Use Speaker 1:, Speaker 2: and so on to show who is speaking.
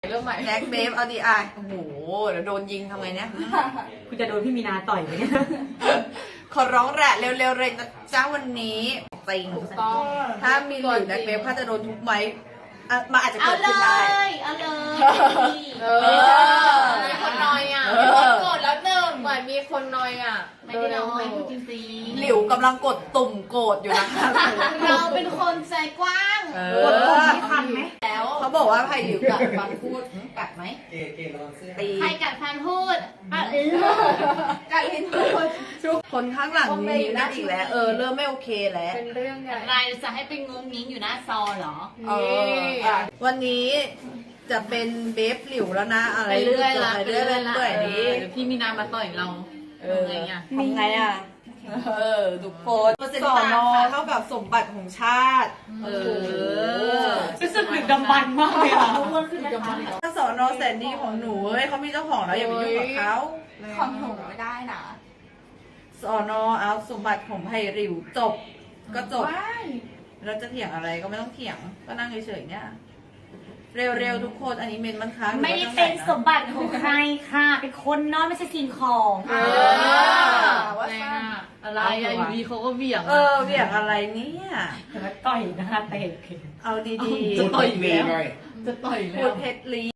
Speaker 1: เริ่มใหม่
Speaker 2: แน็กเบฟเอาดีอ่ะโอ้โหเดี๋ยวโดนยิงทำไงเนี่ย
Speaker 3: คุณจะโดนพี่มีนาต่อยไหมเนี่ย
Speaker 2: ขอร้องแหละเร็วๆเลยนะจ้าวันนี้จริง
Speaker 1: ถูกต้อง
Speaker 2: ถ้ามีหลิวแน็กเบฟข้าจะโดนทุบไหมอ่ะมันอาจจะ
Speaker 4: เอา
Speaker 2: เกิด
Speaker 4: เล
Speaker 2: ขึ้นได้
Speaker 4: ย เอาเลย
Speaker 1: มีคนนอยอ่ะ
Speaker 2: เออ
Speaker 1: มีคนโกรธแล้วหนึ่งเหมือนมีคนนอยอ่ะ
Speaker 4: ไม่ได้น้อยพูดจริง
Speaker 2: หลิวกำลังกดตุ่มโกรธอยู่นะคะ
Speaker 4: ๆเราเป็นคนใจกว้าง
Speaker 3: กดปุ่มนี้ทันไหม
Speaker 4: แล้ว
Speaker 2: เขาบอกว่าไผ่หลิวกัดฟันพูดกัดไหม
Speaker 5: เกระวังเสื้อ
Speaker 2: ตี
Speaker 4: ใครกัดฟันพูดอ่ะ
Speaker 2: กัดลิ้นพูดคนข้างหลังนี่นั่นอีกแล้วเริ่มไม่โอเคแล้ว
Speaker 1: เป็นเรื่องใหญ่
Speaker 4: อะไรจะให้เป็นงงงิ้งอยู่หน้าซอเหรอ
Speaker 2: วันนี้จะเป็นเบฟหลิวแล้วนะอะไร
Speaker 1: ไปเรื่อยละ
Speaker 2: ไปเรื่อยเรื่อยนี้
Speaker 1: เดี๋ยวพี่มีนามาต่อยเราทำไงอ่ะ
Speaker 2: ทำไงอ่ะทุกคนสอนอเท่ากับสมบัติของชาติ
Speaker 3: รู้สึกดึกดำบรรพ์มากเลยอ่ะอ้วนขึ้นไหมคะ
Speaker 2: ถ้าสอนอแสนดีของหนูเฮ้ยเขามีเจ้าของแล้วอย่าไปยุ่งกับเขา
Speaker 4: ของหนูไม่ได้นะ
Speaker 2: สอนอเอาสมบัติของไผ่หลิวจบก็จบเราจะเถียงอะไรก็ไม่ต้องเถียงก็นั่งเฉยๆเนี่ยเร็วๆทุกคนอันนี้เมนมันค้าง
Speaker 3: ไม่ได้เป็นสมบัติของใครค่ะ เป็นคนนอนไม่ใช่สิ่งของ
Speaker 1: ว่าอะไรอ่ะอยู่ดีเขาก็เบี่ยง
Speaker 2: เบี่ยงอะไรเนี่ย
Speaker 3: แต่ว่าต่อยหน้าเตะ
Speaker 2: เอาดีๆ
Speaker 1: จะต่อยอีก
Speaker 5: มี
Speaker 1: แล้ว
Speaker 5: หน่อย
Speaker 1: จะต่อย
Speaker 2: พู
Speaker 1: แล้
Speaker 2: ด
Speaker 1: ว
Speaker 2: เพชรลี